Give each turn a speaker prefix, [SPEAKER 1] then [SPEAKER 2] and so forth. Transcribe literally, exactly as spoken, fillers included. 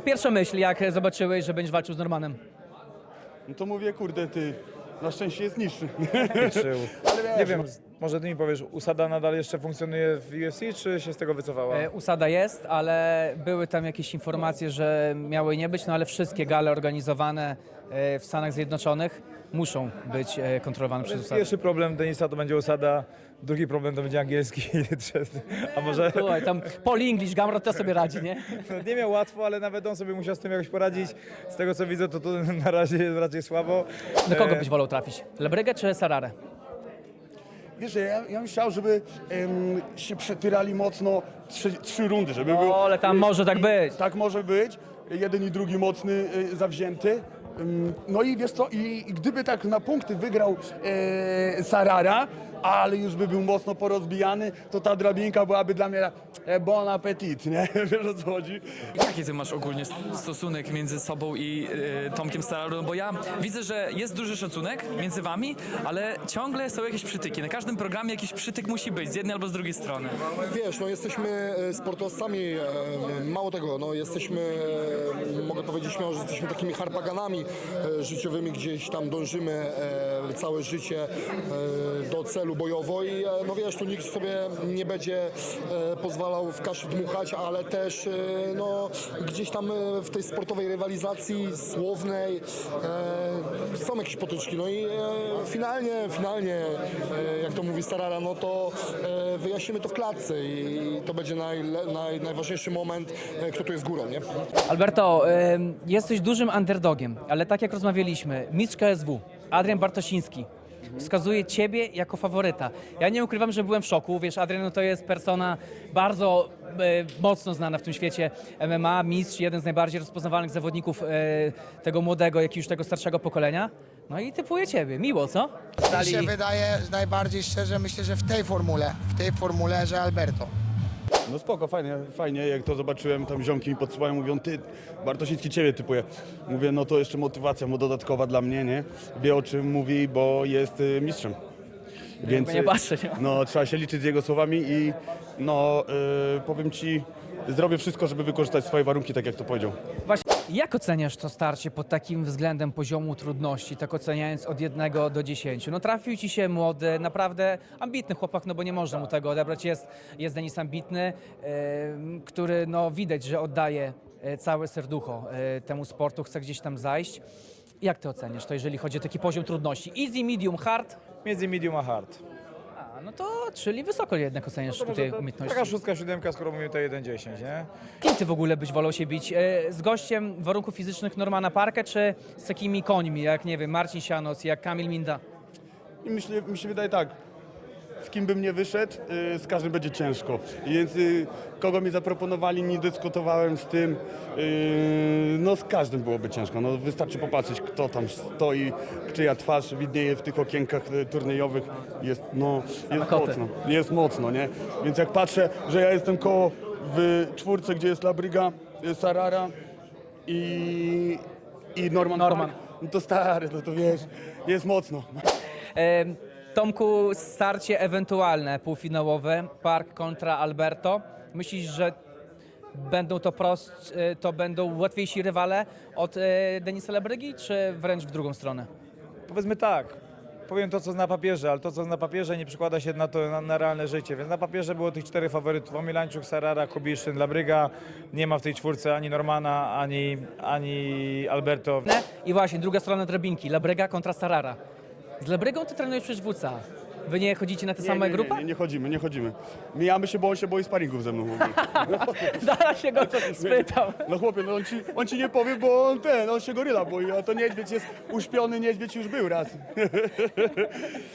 [SPEAKER 1] pierwsza myśl, jak zobaczyłeś, że będziesz walczył z Normanem?
[SPEAKER 2] No to mówię, kurde, ty, na szczęście jest niższy.
[SPEAKER 3] Czy, nie wiem, może ty mi powiesz, Usada nadal jeszcze funkcjonuje w U F C, czy się z tego wycofała?
[SPEAKER 1] E, Usada jest, ale były tam jakieś informacje, że miały nie być, no ale wszystkie gale organizowane e, w Stanach Zjednoczonych muszą być e, kontrolowane przez Usadę.
[SPEAKER 3] Pierwszy problem Denisa to będzie Usada, drugi problem to będzie angielski, trzeci- a może
[SPEAKER 1] Słuchaj, tam Paul English, Gamrot to sobie radzi, nie?
[SPEAKER 3] no, nie miał łatwo, ale nawet on sobie musiał z tym jakoś poradzić. Z tego co widzę, to, to na razie jest raczej słabo.
[SPEAKER 1] Do kogo
[SPEAKER 3] E,
[SPEAKER 1] byś wolał trafić? Lebrygę czy Sararę?
[SPEAKER 2] Wiesz, ja, ja bym chciał, żeby em, się przetyrali mocno trzy, trzy rundy, żeby był...
[SPEAKER 1] O, ale tam może tak być.
[SPEAKER 2] Tak może być. Jeden i drugi mocny, y, zawzięty. Ym, No i wiesz co, i, i gdyby tak na punkty wygrał e, Sarara, ale już by był mocno porozbijany, to ta drabinka byłaby dla mnie e, bon appetit, nie? Wiesz o co chodzi?
[SPEAKER 4] Jaki ty masz ogólnie stosunek między sobą i y, Tomkiem Stararą? Bo ja widzę, że jest duży szacunek między wami, ale ciągle są jakieś przytyki. Na każdym programie jakiś przytyk musi być z jednej albo z drugiej strony.
[SPEAKER 5] Wiesz, no jesteśmy e, sportowcami, e, mało tego, no jesteśmy, e, mogę powiedzieć śmiało, że jesteśmy takimi harpaganami e, życiowymi, gdzieś tam dążymy e, całe życie e, do celu bojowo i e, no wiesz, tu nikt sobie nie będzie e, pozwalał w kaszy dmuchać, ale też e, no gdzieś tam e, w tej sportowej rywalizacji słownej e, są jakieś potyczki, no i e, finalnie, finalnie, e, jak to mówi Starara, no to e, wyjaśnimy to w klatce i to będzie naj, naj, najważniejszy moment, e, kto tu jest górą, nie?
[SPEAKER 1] Alberto, ym, jesteś dużym underdogiem, ale tak jak rozmawialiśmy, mistrz K S W, Adrian Bartosiński, wskazuje ciebie jako faworyta. Ja nie ukrywam, że byłem w szoku. Wiesz, Adrian no to jest persona bardzo e, mocno znana w tym świecie M M A, mistrz, jeden z najbardziej rozpoznawalnych zawodników e, tego młodego, jak i już tego starszego pokolenia. No i typuje ciebie. Miło, co?
[SPEAKER 6] Mi się wydaje najbardziej szczerze, myślę, że w tej formule, w tej formule, że Alberto.
[SPEAKER 2] No spoko, fajnie, fajnie, jak to zobaczyłem, tam ziomki mi podsyłają, mówią, ty, Bartosiński ciebie typuje. Mówię, no to jeszcze motywacja mu dodatkowa dla mnie, nie? Wie o czym mówi, bo jest y, mistrzem. Więc
[SPEAKER 1] nie patrzę, nie?
[SPEAKER 2] no, trzeba się liczyć z jego słowami i no, y, powiem ci, zrobię wszystko, żeby wykorzystać swoje warunki, tak jak to powiedział.
[SPEAKER 1] Właśnie, jak oceniasz to starcie pod takim względem poziomu trudności, tak oceniając od jednego do dziesięciu? No trafił ci się młody, naprawdę ambitny chłopak, no bo nie można mu tego odebrać. Jest, jest Denis ambitny, e, który no widać, że oddaje e, całe serducho e, temu sportu, chce gdzieś tam zajść. Jak ty oceniasz to, jeżeli chodzi o taki poziom trudności? Easy, medium, hard?
[SPEAKER 3] Między medium a hard.
[SPEAKER 1] A, no to, czyli wysoko jednak oceniasz tutaj umiejętności.
[SPEAKER 3] Taka szóstka, siódemka, skoro mówimy to jeden dziesięć, nie?
[SPEAKER 1] Kim ty w ogóle byś wolał się bić? E, z gościem warunków fizycznych Normana Parkę, czy z takimi końmi, jak nie wiem, Marcin Sianos, jak Kamil Minda?
[SPEAKER 2] I myślę, mi się wydaje tak, z kim bym nie wyszedł, y, z każdym będzie ciężko. Więc y, kogo mi zaproponowali, nie dyskutowałem z tym. Y, no z każdym byłoby ciężko. No, wystarczy popatrzeć, kto tam stoi, czyja twarz widnieje w tych okienkach y, turniejowych. Jest, no, jest
[SPEAKER 1] Kotę.
[SPEAKER 2] mocno, jest mocno, nie? Więc jak patrzę, że ja jestem koło w czwórce, gdzie jest Labryga, y, Sarara i, i Norman,
[SPEAKER 1] Norman.
[SPEAKER 2] Park, no to stary, no to wiesz, jest mocno.
[SPEAKER 1] E, Tomku, starcie ewentualne półfinałowe, Park kontra Alberto. Myślisz, że będą to prost, e, to będą łatwiejsi rywale od e, Denisa Lebrygi, czy wręcz w drugą stronę?
[SPEAKER 3] Powiedzmy tak, powiem to, co na papierze, ale to, co na papierze, nie przekłada się na to, na, na realne życie, więc na papierze było tych czterech faworytów: Omilańczuk, Sarara, Kubiszyn, Labryga. Nie ma w tej czwórce ani Normana, ani, ani Alberto.
[SPEAKER 1] I właśnie, druga strona drabinki, Lebryga kontra Sarara. Z Lebrygą ty trenujesz przecież w W C A. Wy nie chodzicie na te
[SPEAKER 2] Nie,
[SPEAKER 1] same
[SPEAKER 2] nie,
[SPEAKER 1] grupy?
[SPEAKER 2] Nie, nie, nie chodzimy, nie chodzimy. Mijamy się, bo on się boi sparingów ze mną. Mówi.
[SPEAKER 1] Zaraz się go spytam.
[SPEAKER 2] No chłopie, no on ci, on ci nie powie, bo on ten, on się goryla boi, a to niedźwiedź jest uśpiony, niedźwiedź już był raz.